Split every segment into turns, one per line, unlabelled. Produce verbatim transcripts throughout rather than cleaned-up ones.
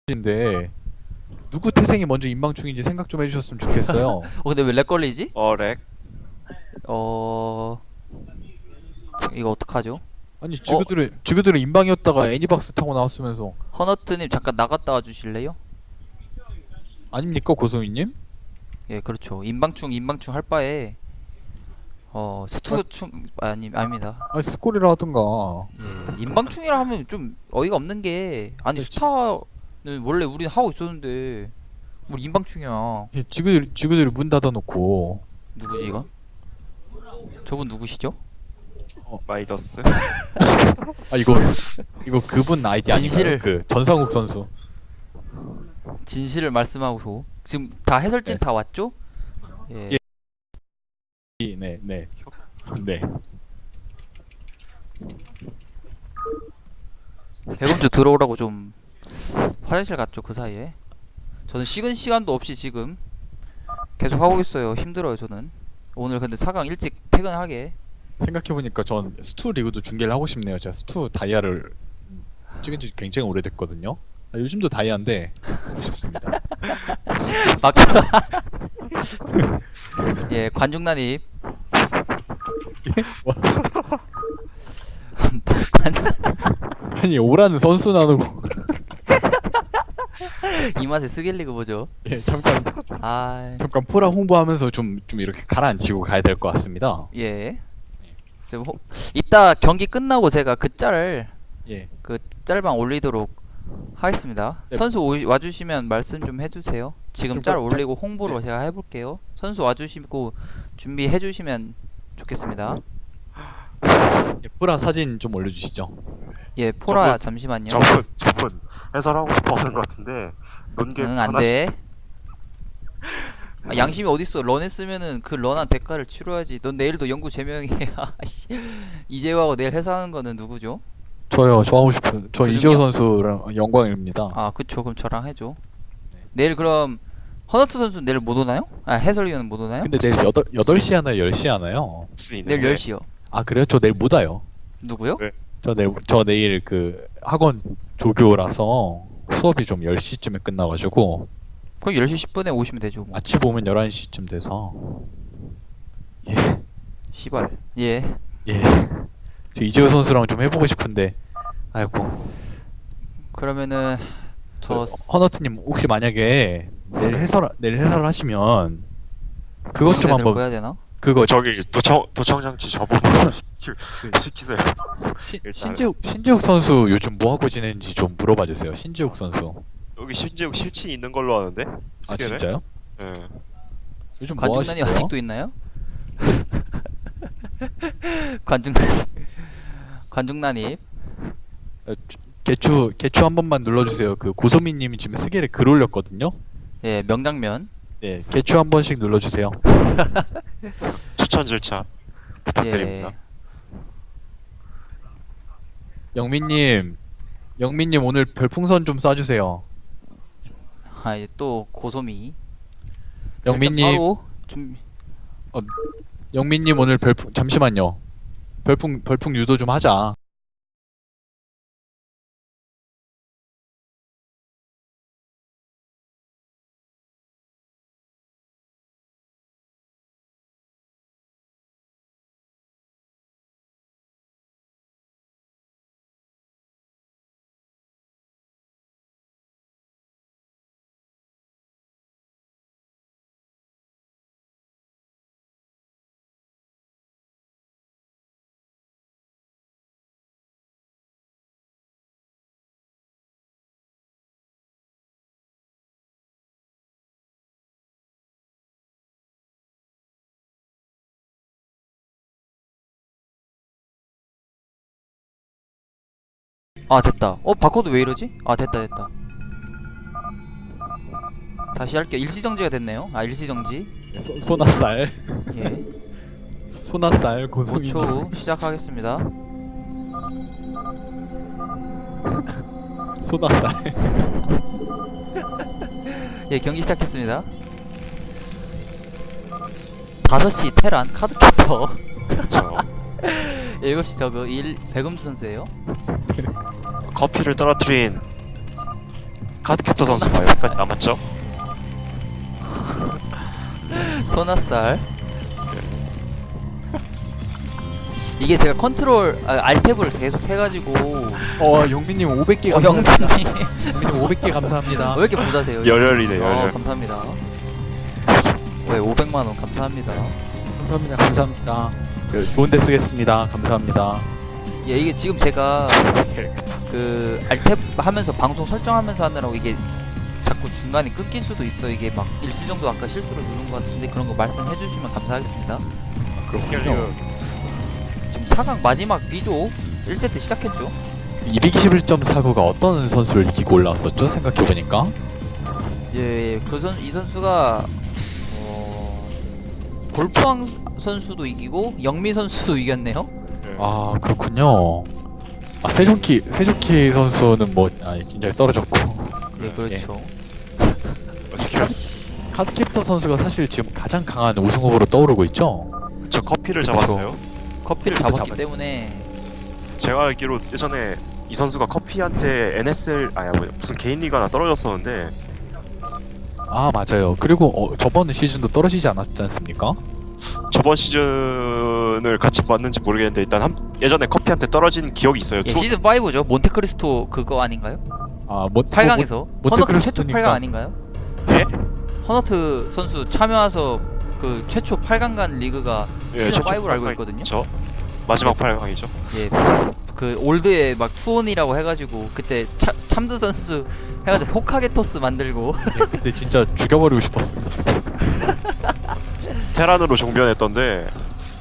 인데 누구 태생이 먼저 인방충인지 생각 좀 해주셨으면 좋겠어요.
어 근데 왜 렉 걸리지?
어, 렉.
어... 이거 어떡하죠?
아니 지그들은 지그들은 인방이었다가 애니박스 타고 나왔으면서
허너트님 잠깐 나갔다 와 주실래요?
아닙니까 고소희님?
예 그렇죠. 인방충 인방충 할 바에 어 스투충 아니 아닙니다.
아니 스콜이라 하던가.
예 인방충이라 하면 좀 어이가 없는 게 아니
그렇지.
스타는 원래 우리 하고 있었는데 뭐 인방충이야.
예, 지그들 지그들이 문 닫아놓고
누구지 이건? 저분 누구시죠?
마이더스.
아 이거 이거 그분 아이디 아닌가요?
진실을.
그 전상욱 선수.
진실을 말씀하고 지금 다 해설진
네.
다 왔죠? 예.
예. 네 네. 네.
배금주 들어오라고 좀 화장실 갔죠 그 사이에. 저는 식은 시간도 없이 지금 계속 하고 있어요. 힘들어요 저는. 오늘 근데 사 강 일찍 퇴근하게.
생각해보니까 전 스투 리그도 중계를 하고 싶네요. 제가 스투 다이아를 찍은 지 굉장히 오래됐거든요. 아, 요즘도 다이아인데 하고 싶습니다.
막차. 예 관중난입.
아니 오라는 선수 나누고
이 맛에 스겔리그 보죠.
예, 잠깐
아
잠깐 포라 홍보하면서 좀 좀 이렇게 가라앉히고 가야 될 것 같습니다.
예. 지금 호... 이따 경기 끝나고 제가 그 짤을
예.
그 짤방 올리도록 하겠습니다.
네.
선수 오, 와주시면 말씀 좀 해주세요. 지금
좀
짤
가-
올리고 홍보로 제가 해볼게요. 선수 와주시고 준비해주시면 좋겠습니다.
예, 포라 사진 좀 올려주시죠.
예, 포라
저분-
잠시만요.
저분, 저분 해설하고 싶어 하는 것 같은데, 논개
응,
하나씩.
안돼. 아, 양심이 어딨어. 런 했으면은 그 런한 대가를 치러야지. 넌 내일도 연구 제명해. 아씨. 이재호하고 내일 해설하는 거는 누구죠?
저요. 저 하고 싶은 저
그중요?
이재호 선수랑 영광입니다.
아, 그쵸. 그럼 저랑 해줘. 내일 그럼 허너트 선수 내일 못 오나요? 아, 해설위원은 못 오나요?
근데 내일 여덟 여덟 시 하나요? 열 시 하나요?
무슨
내일
있는데.
열 시요.
아 그래요? 저 내일 못 와요.
누구요?
왜?
저 내일 저 내일 그 학원 조교라서 수업이 좀 열 시쯤에 끝나가지고
그럼 열 시 십 분에 오시면 되죠. 뭐.
아침 오면 열한 시쯤 돼서 예.
시발. 예.
예. 저 이재호 선수랑 좀 해보고 싶은데 아이고
그러면은 저
그, 허너트님 혹시 만약에 내일 해설 내일 해설 하시면 그것 좀 한번
해야 되나?
그거
저기 도청 도청장치 저분으로 시키, 시키세요.
시,
일단-
신재욱 신재욱 선수 요즘 뭐 하고 지내는지 좀 물어봐 주세요. 신재욱 선수.
여기 신재욱 실친 있는 걸로 아는데.
아
스케일에?
진짜요?
예.
요즘 뭐
관중난이
하시고요?
아직도 있나요? 관중난이 관중난이
어, 주- 개추 개추 한 번만 눌러주세요. 그 고소민님이 지금 스겔에 글 올렸거든요.
예 명장면.
네, 개추 한 번씩 눌러주세요.
추천 절차 부탁드립니다.
예.
영민님, 영민님 오늘 별풍선 좀 쏴주세요.
아 이제 또 고소미.
영민님,
바로 좀
영민님 오늘 별풍 잠시만요. 별풍 별풍 유도 좀 하자.
아 됐다. 어 바코드 왜 이러지? 아 됐다 됐다. 다시 할게요. 일시정지가 됐네요. 아 일시정지.
소, 소나쌀,
예.
소나쌀
오
고소민.
초 후 시작하겠습니다.
소나쌀.
예 경기 시작했습니다. 다섯 시 테란 카드캐터.
그렇죠.
일곱 시 저그 일 백음수 선수예요.
커피를 떨어뜨린 카드캡터 선수가 여기까지 남았죠?
소나살. 이게 제가 컨트롤 아, 알탭을 계속 해가지고
어 용민님 오백 개
어,
감사합니다.
영빈이
용민님 오백 개 감사합니다.
왜 이렇게 부자세요?
열혈이네,
어,
열혈.
감사합니다. 왜 오백만 원 감사합니다.
감사합니다. 감사합니다. 그 좋은 데 쓰겠습니다. 감사합니다.
예, 이게 지금 제가 그 알탭 하면서 방송 설정하면서 하느라고 이게 자꾸 중간에 끊길 수도 있어. 이게 막 일시정도 아까 실수로 누른 것 같은데 그런 거 말씀해 주시면 감사하겠습니다.
그렇군요.
지금 사 강 마지막 B조 일 세트 시작했죠.
이백이십일 점 사구가 어떤 선수를 이기고 올라왔었죠? 생각해보니까.
예, 그 선, 이 선수가 어, 골프왕 선수도 이기고 영미 선수도 이겼네요.
아 그렇군요. 아 세종키 세종키 선수는 뭐 아니 진짜 떨어졌고.
예, 그렇죠.
어떻게
카드캡터 선수가 사실 지금 가장 강한 우승 후보로 떠오르고 있죠.
저 커피를 잡았어요.
커피를
커피
잡았기
잡았-
때문에
제가 알기로 예전에 이 선수가 커피한테 엔에스엘 아니 뭐 무슨 개인 리그 하나 떨어졌었는데
아 맞아요. 그리고 어, 저번 시즌도 떨어지지 않았지 않습니까?
저번 시즌을 같이 봤는지 모르겠는데 일단 한, 예전에 커피한테 떨어진 기억이 있어요.
예,
투,
시즌 오죠. 몬테크리스토 그거 아닌가요?
아 뭐,
팔 강에서
뭐,
허너트 최초
몬테크리스토니까-
팔 강 아닌가요?
예?
허너트 선수 참여해서 그 최초 팔 강 간 리그가 시즌
첫
오로 알고
팔 강이
있거든요.
저 마지막 팔 강이죠.
예, 그 올드에 막 투혼이라고 해가지고 그때 차, 참드 선수 해가지고 호카게토스 만들고
예, 그때 진짜 죽여버리고 싶었습니다.
테란으로 종변했던데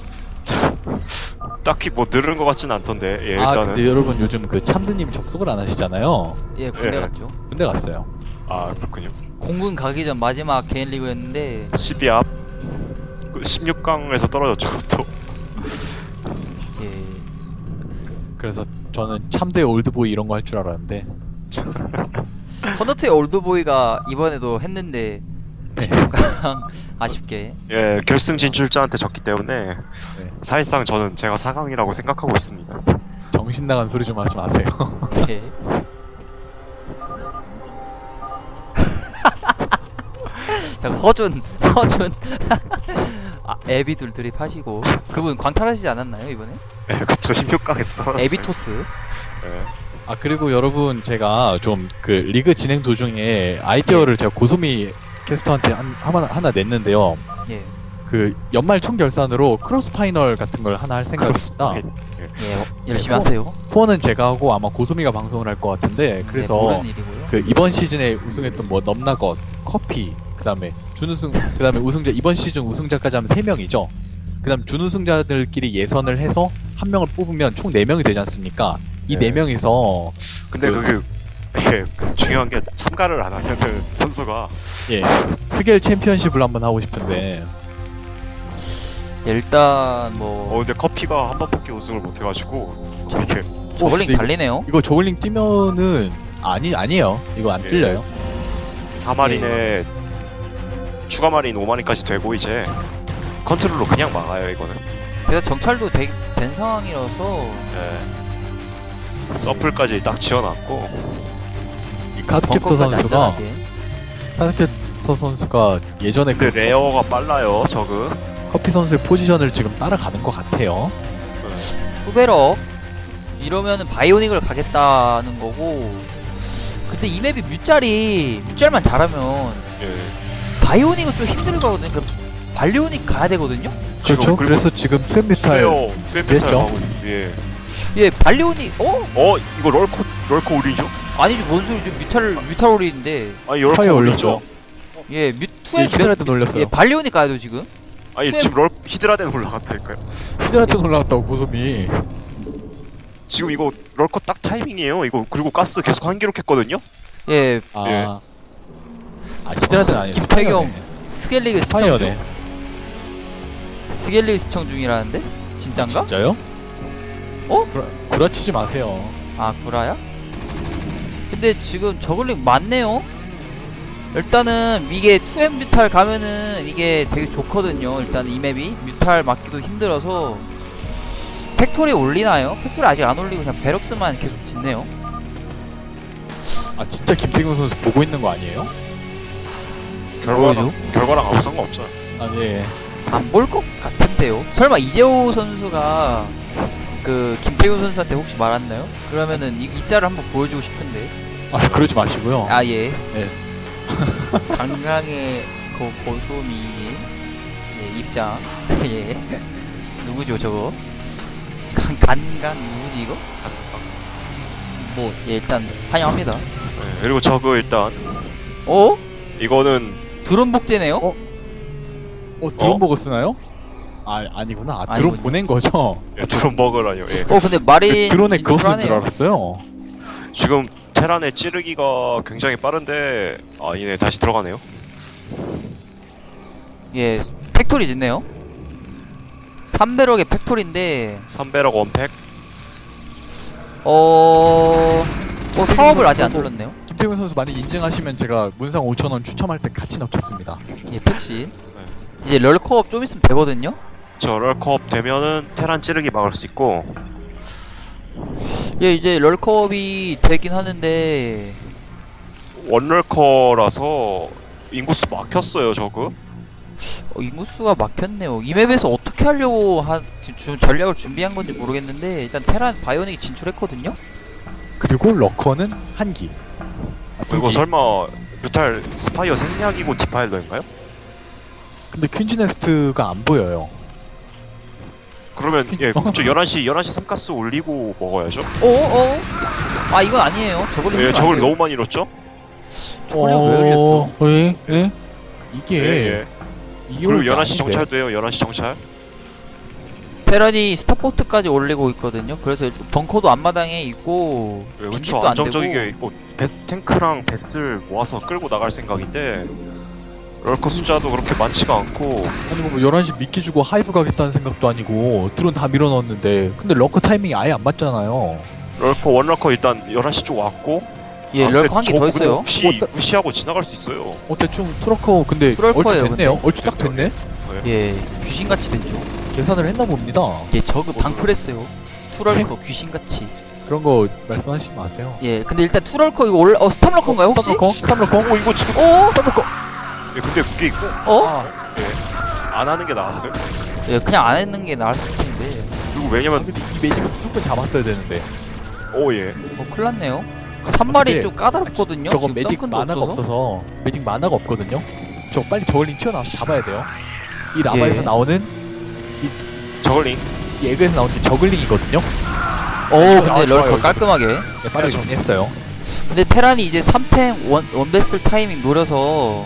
딱히 뭐 늘은 것 같진 않던데. 예,
아
일단은
근데 여러분 요즘 그 참드님 접속을 안 하시잖아요.
예 군대
예.
갔죠.
군대 갔어요.
아 그렇군요.
공군 가기 전 마지막 개인 리그였는데
십이 앞 그 십육 강에서 떨어졌죠. 또
예,
그래서 저는 참대 올드보이 이런 거 할 줄 알았는데
허너트의 올드보이가 이번에도 했는데
네.
아쉽게
예, 결승 진출자한테 졌기 때문에
네.
사실상 저는 제가 사 강이라고 생각하고 있습니다.
정신 나간 소리 좀 하지 마세요.
예. 자 허준 허준 아, 에비둘 드립하시고 그분 광탈하시지 않았나요 이번에?
예, 그쵸. 십육 강에서 떨어졌어요.
에비토스
예.
아 그리고 여러분 제가 좀 그 리그 진행 도중에 아이디어를 제가 고소미 캐스터한테 한, 하나, 하나 냈는데요.
예.
그 연말 총결산으로 크로스 파이널 같은 걸 하나 할 생각입니다.
크로스파인.
예, 열심히
네,
하세요.
후원은 제가 하고 아마 고소미가 방송을 할 것 같은데
네,
그래서
모르는 일이고요.
그 이번 시즌에 우승했던 뭐 넘나것, 커피, 그다음에 준우승, 그다음에 우승자 이번 시즌 우승자까지 하면 세 명이죠. 그다음 준우승자들끼리 예선을 해서 한 명을 뽑으면 총 네 명이 되지 않습니까? 이 네
네.
명이서
근데
그
그게 예, 그 중요한 게 참가를 안 하면은 선수가
예 스겔 챔피언십을 한번 하고 싶은데
예, 일단
어
뭐
근데 커피가 한 번밖에 우승을 못 해가지고 이렇게
저글링
근데 이거-
달리네요.
이거 저글링 뛰면은 아니 아니에요. 이거 안
예.
뚫려요.
사 마린에 추가 마린 오 마린까지 되고 이제 컨트롤로 그냥 막아요 이거는.
그래서 정찰도 되, 된 상황이라서
예. 서플까지 딱 지어놨고
이 카드캡터
벙커까지
선수가
안전하게.
카드캡터 선수가 예전에 그
근데 레어가 빨라요 저그.
커피 선수의 포지션을 지금 따라가는 것 같아요.
예.
후베럭 이러면은 바이오닉을 가겠다는 거고. 근데 이 맵이 뮤짤이 뮤짤만 잘하면
예.
바이오닉은 좀 힘들 거거든요. 그럼 발리오닉 가야 되거든요.
그렇죠.
그리고
그래서 지금 플랜메탈
투웨어 투웨어
됐죠?
하고 예.
예, 발리오닉 어?
어 이거 럴코 럴코 우리죠?
아니죠, 뭔 소리죠? 뮤탈 뮤탈올인데
아니
스파이어
럴코
올렸죠.
우리죠?
예, 뮤투에
예, 히드라드 놀렸어요.
예, 발리오닉 가야 돼 지금.
아니
투웨-
지금 럴 히드라덴 올라갔다니까요.
히드라드 올라갔다고 고소미.
지금 이거 럴코 딱 타이밍이에요. 이거 그리고 가스 계속 한 기록했거든요.
예,
아,
예.
아 히드라드는 아니에요.
김태경 스켈리그 시청
스파이어네.
중. 스켈리그 시청 중이라는데? 진짠가?
진짜요?
어?
구라, 구라치지 마세요.
아 구라야? 근데 지금 저글링 많네요. 일단은 이게 투엠 뮤탈 가면은 이게 되게 좋거든요. 일단 이 맵이 뮤탈 맞기도 힘들어서 팩토리 올리나요? 팩토리 아직 안 올리고 그냥 베럭스만 계속 짓네요.
아 진짜 김태균 선수 보고 있는 거 아니에요?
결과랑 결과랑 아무 상관 없잖아.
아니 예.
안 볼 것 같은데요. 설마 이재호 선수가 그 김태균 선수한테 혹시 말았나요? 그러면은 이, 이 짤을 한번 보여주고 싶은데.
아 그러지 마시고요.
아 예.
네.
강강의 그 보소미님 예, 입장. 예. 누구죠 저거? 강 간간 누구지 이거?
간- 간-
뭐 예, 일단 환영합니다.
네, 그리고 저거 일단
어?
이거는
드론 복제네요?
어? 어 드론
어?
보고 쓰나요? 아 아니구나. 아, 드론
아니군요.
보낸 거죠.
예, 드론 버그라뇨. 예.
어 근데 마린
드론에 그거 쓴 줄
진출하네요.
알았어요.
지금 테란의 찌르기가 굉장히 빠른데 아니네 다시 들어가네요.
예, 팩토리 짓네요. 삼백억의 팩토리인데
삼백억 원팩.
어... 어 사업을 아직 안 눌렀네요.
김태균 선수 많이 인증하시면 제가 문상 오천 원 추첨할 때 같이 넣겠습니다.
예, 팩신. 이제 럴컵 좀 있으면 되거든요.
저 럴컵 되면은 테란 찌르기 막을 수 있고
예, 이제 럴컵이 되긴 하는데
원럴커라서 인구수 막혔어요 저거.
어, 인구수가 막혔네요. 이 맵에서 어떻게 하려고 한 지금 전략을 준비한 건지 모르겠는데 일단 테란 바이오닉이 진출했거든요.
그리고 러커는 한 기. 아, 두
그리고
기.
설마 뮤탈 스파이어 생략이고 디파일러인가요?
근데 퀸즈네스트가 안 보여요.
그러면 예
어?
그쵸 열한 시 열한 시 삼가스 올리고 먹어야죠.
어? 어? 아 이건 아니에요. 저걸
예 저걸 너무 많이 잃었죠?
저걸 왜 흘렸죠?
예? 예? 이게
예, 예.
이게
그리고
올게
열한 시
아닌데.
정찰도 해요. 열한 시 정찰.
테란이 스타포트까지 올리고 있거든요. 그래서 일단 벙커도 앞마당에 있고
예, 그쵸
진입도 안
안정적이게
되고
있고 배, 탱크랑 배슬 모아서 끌고 나갈 생각인데 럴커 숫자도 그렇게 많지가 않고
아니 뭐 열한 시 미끼 주고 하이브 가겠다는 생각도 아니고 드론 다 밀어넣었는데 근데 러커 타이밍이 아예 안 맞잖아요.
럴커 원럴커 일단 열한 시 쪽 왔고
예,
아,
럴커 한 개
근데
더
저
있어요.
무시,
어, 따-
무시하고 지나갈 수 있어요.
어 대충 투러커 근데
투럴커예요,
얼추 됐네요.
근데.
얼추 딱 됐네.
예, 귀신같이 됐죠.
계산을 했나 봅니다.
예, 저그 방풀했어요. 투럴커 귀신같이.
그런 거 말씀하시지 마세요.
예, 근데 일단 투럴커 이거 올라 어 스탑러커인가요 혹시?
스탑러커? 스탑러커?
어 이거 지금
어?
스탑러커!
예, 근데 그게 있고
어?
아,
안 하는 게 나았어요.
예, 그냥 안 했는 게 나을 텐데.
그리고 왜냐면
근데 이 매직은 무조건 잡았어야 되는데.
오 예.
어, 큰일 났네요. 삼 마리
근데
좀 까다롭거든요.
저거
지금
매직
썬큰도
만화가
없어서.
없어서 매직 만화가 없거든요. 저 빨리 저글링 튀어나와서 잡아야 돼요. 이 라바에서
예.
나오는
저글링.
이 에그에서 나오는 게 저글링이거든요.
오, 근데
아, 좋아요.
럴커 깔끔하게.
네, 빠르게 정리했어요.
근데 테란이 이제 삼 탱 원, 원베슬 타이밍 노려서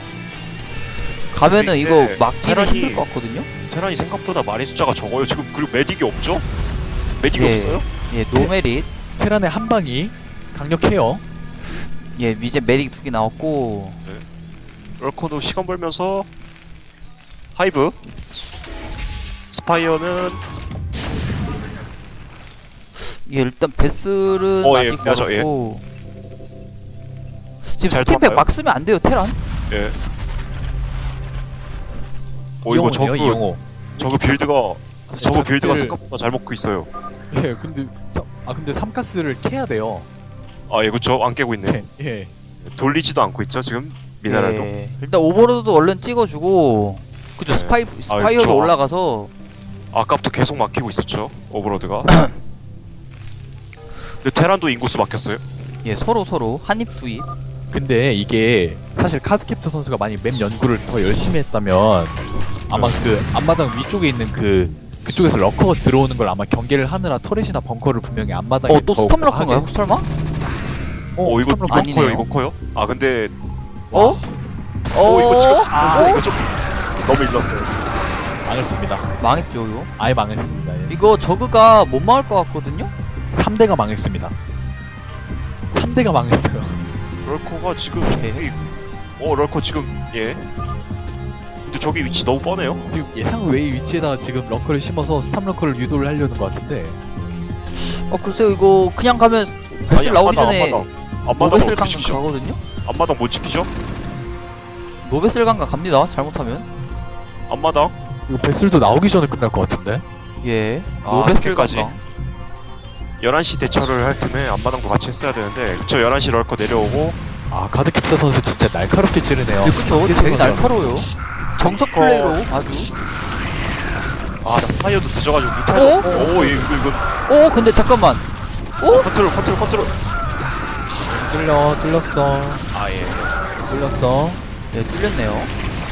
가면은
근데
이거
이게
막기는
테란이-
힘들 것 같거든요.
테란이 생각보다 마리 숫자가 적어요. 지금 그리고 메딕이 없죠? 메딕이
예.
없어요?
예, 노메릿.
테란의 한 방이 강력해요.
예, 이제 메릭 두 개 나왔고.
럴커도 시간 벌면서 하이브 스파이어는
예, 일단 베슬은
어, 예,
아직
맞아,
멀었고. 지금
잘
스팀팩
돌아가요?
막 쓰면 안 돼요, 테란.
예. 오 이거 저거
이용호네요, 이용호.
저거 빌드가 저거
작들-
빌드가 생각보다 잘 먹고 있어요.
예, 근데 사, 아 근데 삼가스를 캐야 돼요.
아 예 그쵸 안 깨고 있네.
예, 예.
돌리지도 않고 있죠 지금 미네랄도.
예, 일단 오버로드도 얼른 찍어주고. 그죠,
네.
스파이, 스파이어도
좋아.
올라가서.
아까부터 계속 막히고 있었죠 오버로드가. 근데 테란도 인구수 막혔어요.
예, 서로 서로 한입 두입.
근데 이게 사실 카드캡터 선수가 많이 맵 연구를 더 열심히 했다면 아마
네.
그 앞마당 위쪽에 있는 그 그쪽에서 러커가 들어오는 걸 아마 경계를 하느라 터렛이나 벙커를 분명히 앞마당에
어, 또
더
스톰러커인가요?
하게-
설마?
어, 이거
스탑러커.
이거
아니네요.
커요 이거 커요. 아 근데
어?
어 이거 지금
어?
아 이거 좀 너무 일렀어요.
망했습니다.
망했죠, 이거.
아예 망했습니다. 예.
이거 저그가 못 막을 것 같거든요?
삼 대가 망했습니다. 삼 대가 망했어요.
럴커가 지금
네.
저기 어 럴커 지금 예. 근데 저기 위치 너무 뻔해요.
지금 예상 외의 위치에다가 지금 러커를 심어서 스탑 러커를 유도를 하려는 것 같은데
어, 글쎄요, 이거 그냥 가면 베슬 나오기 전에
앞마당
노베슬
어떻게
강강
지키죠?
가거든요?
앞마당 못 지키죠?
노베슬 강강 갑니다, 잘못하면.
앞마당
이거 베슬도 나오기 전에 끝날 것 같은데
예,
아,
노베슬
스킬까지.
강강.
열한 시 대처를 할 틈에 앞마당도 같이 했어야 되는데 저 열한 시 럴커 내려오고
아 가드캡터 선수 진짜 날카롭게 찌르네요.
네, 그쵸.
계속
되게
선수.
날카로워요. 정석
어.
플레이로 아주.
아 스파이어도 늦어가지고
어?
무탈 오얘 이거 이거
오, 근데 잠깐만. 오?
컨트롤 컨트롤 컨트롤
뚫려 뚫렸어
아예
뚫렸어.
네, 뚫렸네요.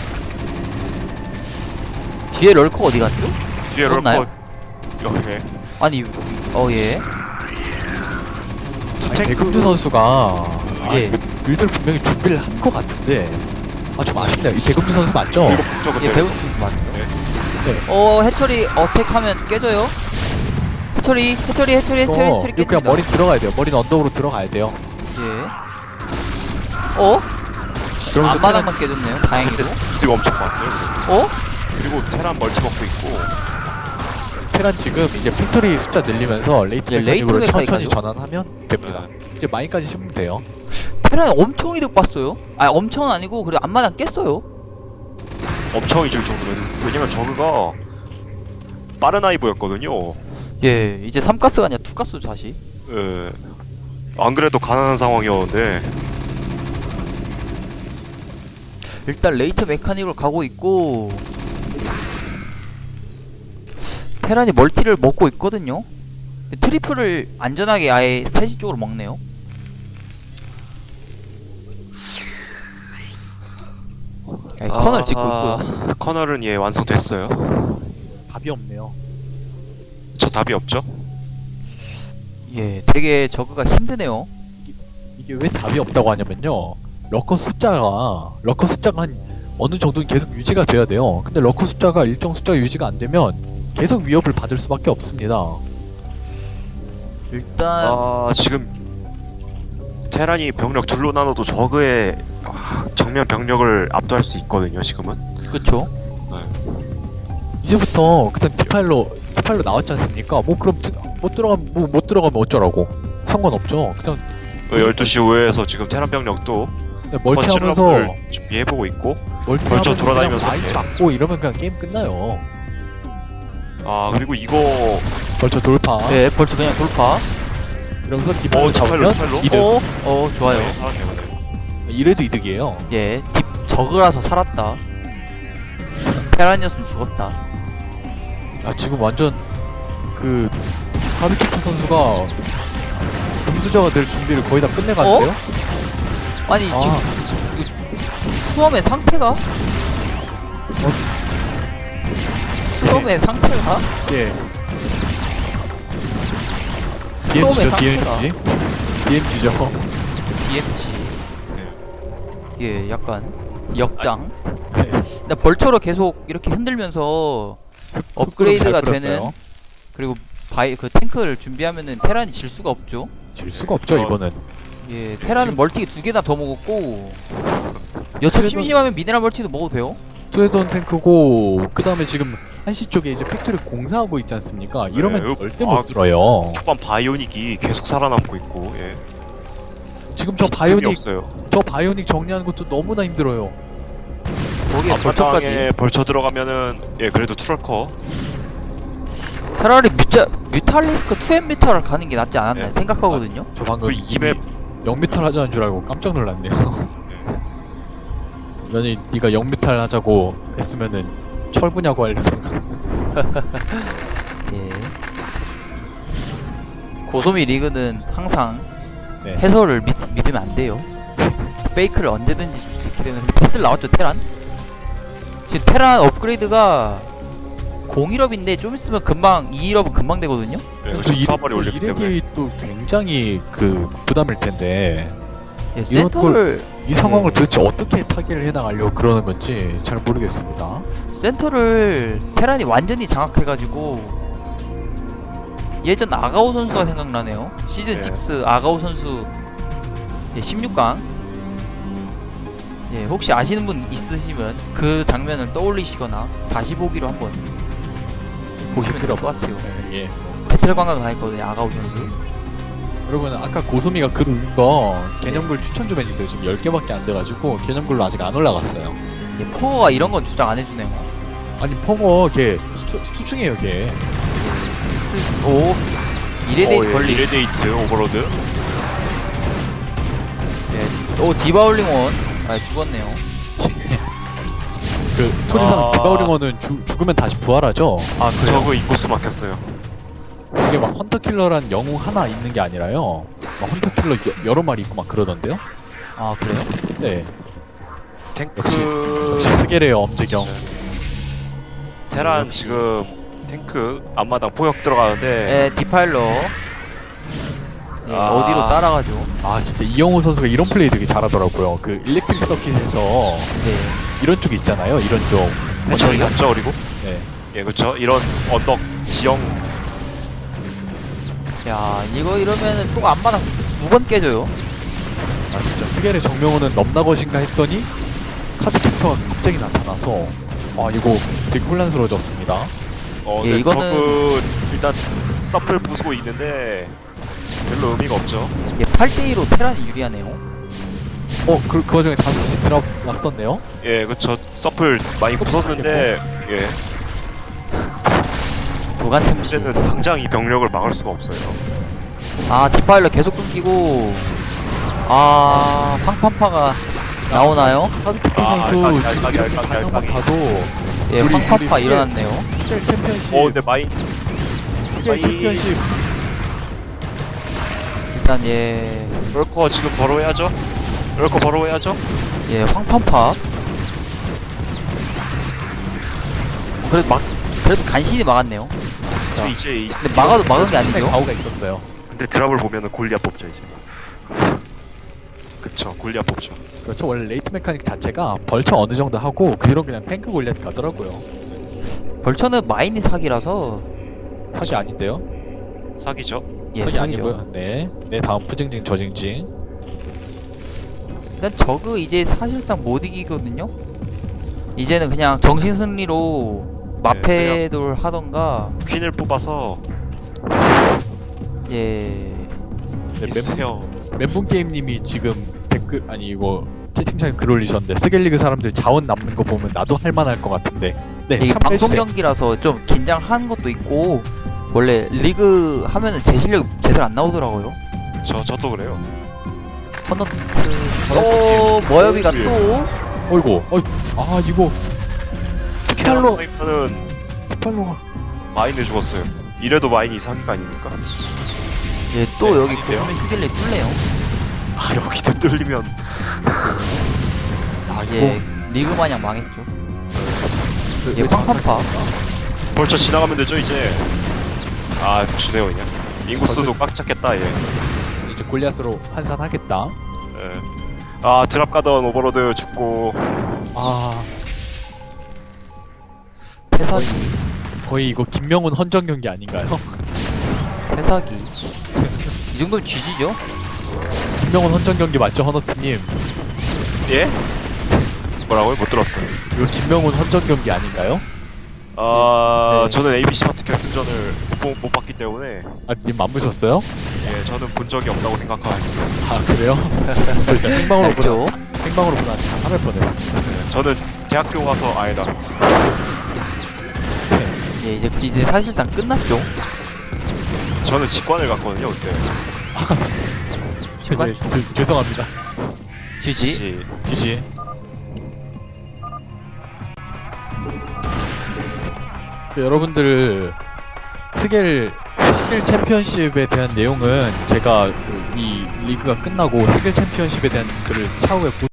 뒤에 럴커 어디 갔죠?
뒤에
뚫었나요?
럴커 이렇게
아니, 어, 예.
아니,
투탱크
백금주 선수가
예.
빌드를 분명히 준비를 한 것 같은데 아 좀 아쉽네요. 이 백금주 선수 맞죠?
이거 북저
예,
근데
배우 선수 맞죠?
네.
네.
어, 해처리 어택하면 깨져요? 해처리, 해처리, 해처리, 해처리,
이거
해처리
이거 그냥
깨집니다.
머리 들어가야 돼요. 머리는 언덕으로 들어가야 돼요.
예. 어?
그러면서
앞마당만
테란-
깨졌네요. 다행히도.
이득 엄청 봤어요
어?
그리고 테란 멀티 먹고 있고
테란 지금 이제 팩토리 숫자 늘리면서 레이트
예, 레이트
메카닉으로 천천히
메카닉까지요?
전환하면 됩니다. 이제 마인까지 심으면 돼요.
테란이 엄청 이득 봤어요. 아니, 엄청은 아니고, 그래도 앞마당 깼어요.
엄청이죠 이 정도면 왜냐면 저그가 빠른 아이브였거든요
예, 이제 삼 가스가 아니라 이 가스 다시.
예. 안 그래도 가난한 상황이었는데
일단 레이트 메카닉으로 가고 있고 테란이 멀티를 먹고 있거든요. 트리플을 안전하게 아예 셋시 쪽으로 먹네요. 야, 이 커널 짓고 있고요.
아, 커널은 예 완성됐어요
답이 없네요.
저 답이 없죠
예, 되게 저그가 힘드네요.
이게 왜 답이 없다고 하냐면요. 러커 숫자가 러커 숫자가 한 어느 정도는 계속 유지가 돼야 돼요. 근데 러커 숫자가 일정 숫자가 유지가 안 되면 계속 위협을 받을 수밖에 없습니다.
일단
아 지금 테란이 병력 둘로 나눠도 저그의 아, 정면 병력을 압도할 수 있거든요 지금은
그쵸.
이제부터 그냥 디파일로 디파일로 나왔지 않습니까? 뭐 그럼 드, 못 들어가면 뭐 못 들어가면 어쩌라고? 상관없죠. 그냥
그 열두 시 우회에서 지금 테란 병력도
그냥 멀티하면서
멀티하면서 준비해보고 있고
멀티하면서
벌쳐 돌아다니면서
마인
예.
맞고 이러면 그냥 게임 끝나요.
아 그리고 이거
벌쳐 돌파.
네, 벌써 그냥 돌파.
이러면서
어
디파일로
디파일로
잡으면
디파일로
이득.
어, 어, 좋아요.
네, 살았네요 네.
이래도 이득이에요.
예, 딥 저그라서 살았다. 테란이었으면 죽었다.
아 지금 완전 그 하비키트 선수가 금수저가 될 준비를 거의 다 끝내갔는데요?
아니
아.
지금 이 수험의 상태가 수험의 상태가
예.
수험의
디엠지죠,
상태가
디엠지. 디엠지죠.
디엠지.
네.
예, 약간 역장.
네.
근데 벌처로 계속 이렇게 흔들면서 업그레이드가
잘
되는
끌었어요.
그리고 바이 그 탱크를 준비하면은 테란이 질 수가 없죠.
질 수가 없죠,
어.
이거는.
예, 테란은
지금-
멀티 두 개나 더 먹었고 여차
그래도-
심심하면 미네랄 멀티도 먹어도 돼요.
스웨던 탱크고 그 다음에 지금 한시 쪽에 이제 팩토리 공사하고 있지 않습니까? 이러면
이거-
절대
아,
못 들어요.
초반 바이오닉이 계속 살아남고 있고 예.
지금 저
빈틈이
바이오닉
없어요
저 바이오닉 정리하는 것도 너무나 힘들어요.
거기에
앞마당에
벌처까지.
벌쳐 들어가면은 예 그래도 투럴커
차라리 뮤자, 뮤탈리스크 투 엠 뮤탈을 가는 게 낫지 않았나
네.
생각하거든요.
저 방금
그 이맵
영미탈 하자는 줄 알고 깜짝 놀랐네요. 아니 네가 영미탈 하자고 했으면은 철부냐고 할 생각.
예. 고소미 리그는 항상
네.
해설을 믿, 믿으면 안 돼요. 페이크를 언제든지 줄 수 있기 때문에 패스를 나왔죠 테란. 지금 테란 업그레이드가 공일업인데 좀 있으면 금방 이일업은 금방 되거든요.
예,
또
그래서
이-
투하벌이
또
올렸기 때문에
이렉이 또 굉장히 그 부담일 텐데
예,
이런
센터를
이 상황을
네.
도대체 어떻게 타개를 해나가려고 그러는 건지 잘 모르겠습니다.
센터를 테란이 완전히 장악해가지고 예전 아가오 선수가 생각나네요. 시즌
네.
육 아가오 선수 예, 십육 강. 예, 혹시 아시는 분 있으시면 그 장면을 떠올리시거나 다시 보기로 한번 보시면 될 것 같아요.
네, 예.
배틀 관광 다녔거든요, 아가오 선수.
여러분 아까 고소미가 글 올린 거 개념글 추천 좀 해주세요. 지금 열 개밖에 안 돼가지고 개념글로 아직 안 올라갔어요.
예, 포거가 이런 건 주장 안 해주네요.
아니 펑어 걔 수충, 수충이에요 걔.
스, 오, 이레데이
어, 예,
걸리.
이레데이트 오버로드.
예. 오 디바울링원. 아 죽었네요.
그 스토리상
아.
디바우링어는 죽- 죽으면 다시 부활하죠.
아 그래요?
저그 인구수 막혔어요.
이게 막 헌터킬러란 영웅 하나 있는 게 아니라요. 막 헌터킬러 여, 여러 마리 있고 막 그러던데요.
아 그래요?
네.
탱크
역시 스게레요 엄지경.
테란 지금 탱크 앞마당 포역 들어가는데
예 디파일러. 예,
아.
어디로 따라가죠?
아 진짜 이영호 선수가 이런 플레이 되게 잘하더라고요. 그 일렉트릭 서킷에서
네.
이런 쪽 있잖아요. 이런 쪽.
네, 저희 갔죠 그리고
네.
예 그렇죠 이런 언덕 지형
야 이거 이러면은 또 안마당 두 번 깨져요.
아 진짜 스게레 정명호는 넘나것인가 했더니 카드 캡터가 갑자기 나타나서 아 이거 되게 혼란스러워졌습니다.
어
예,
네,
이거는-
저그 일단 서플 부수고 있는데 별로 의미가 없죠.
예, 팔 대 이로 테란이 유리하네요.
어 그 그 와중에 다섯 시 들어갔었네요.
예 그렇죠 서플 많이 부쉈는데 예
구간 템시.
문제는 당장 이 병력을 막을 수가 없어요.
아 디파일러 계속 끊기고. 아 황판파가 나오나요?
카드 캡터
아,
선수
알까기,
지금
알까기,
이렇게
알까기,
사냥만
알까기.
봐도
예
우리-
황판파
우리 스케일-
일어났네요.
스겔 챔피언십
어 근데 마인
스겔
아이-
챔피언십
일단 예.
럴커 지금 바로 해야죠. 럴커 바로 해야죠.
예, 황판파. 그래도 막, 그래도 간신히 막았네요.
근데 이제 이-
근데 막아도 막은 게
신의
아니죠.
가오가 있었어요.
근데 드랍을 보면은 골리앗 뽑죠 이제. 그쵸 골리앗 뽑죠.
그렇죠. 원래 레이트 메카닉 자체가 벌처 어느 정도 하고 그 뒤로 그냥 탱크 골리앗 가더라고요.
벌처는 마인이 사기라서,
사기 아닌데요?
사기죠.
예,
사기
사기죠.
아니고요. 네. 네 다음 푸징징 저징징.
일단 저그 이제 사실상 못 이기거든요? 이제는 그냥 정신승리로 마패돌 하던가,
퀸을 뽑아서
예.
네, 멘붕,
미스테어
멘붕 게임님이 지금 댓글 아니 이거 채팅창에 글 올리셨는데 스겔리그 사람들 자원 남는 거 보면 나도 할만할 것 같은데. 네.
이게 방송
참여해주세요.
경기라서 좀 긴장한 것도 있고, 원래 리그 하면은 제 실력 제대로 안 나오더라고요.
저 저도 그래요.
헌너트, 또, 머여비가
예.
또,
어이구. 어이. 아 이거 스칼로-
스칼로는
스팔로가
마인을 죽었어요. 이래도 마인이 사기가 아닙니까?
예, 또
네,
여기
아닌데요?
보면 히길레 뚫네요.
아 여기도 뚫리면
아 이거
예, 리그 마냥 망했죠.
그-
예,
그
황판파.
벌써 지나가면 되죠 이제. 아 주네요 그냥. 인구수도 꽉 찼겠다 얘.
이제 골리앗으로 환산하겠다.
예. 아 드랍 가던 오버로드 죽고
아
태사기,
거의 이거 김명훈 헌정 경기 아닌가요?
태사기. 이 정도면 쥐지죠?
김명훈 헌정 경기 맞죠, 허너트님?
예? 뭐라고요? 못 들었어요.
이거 김명훈 헌정 경기 아닌가요?
아
네.
저는 에이비씨 파트 결승전을 못, 보- 못 봤기 때문에
아, 님 안 보셨어요?
예 저는 본 적이 없다고 생각합니다.
아 그래요? 저 진짜 생방으로
알죠?
보다 생방으로 보다 자살할 뻔했습니다.
저는 대학교 가서 아니다.
예, 이제, 이제 사실상 끝났죠?
저는 직관을 갔거든요 그때.
직관?
네, 그, 죄송합니다.
쥐지?
지-
지지. 그 여러분들 스겔 스겔 챔피언십에 대한 내용은 제가 그 이 리그가 끝나고 스겔 챔피언십에 대한 글을 차후에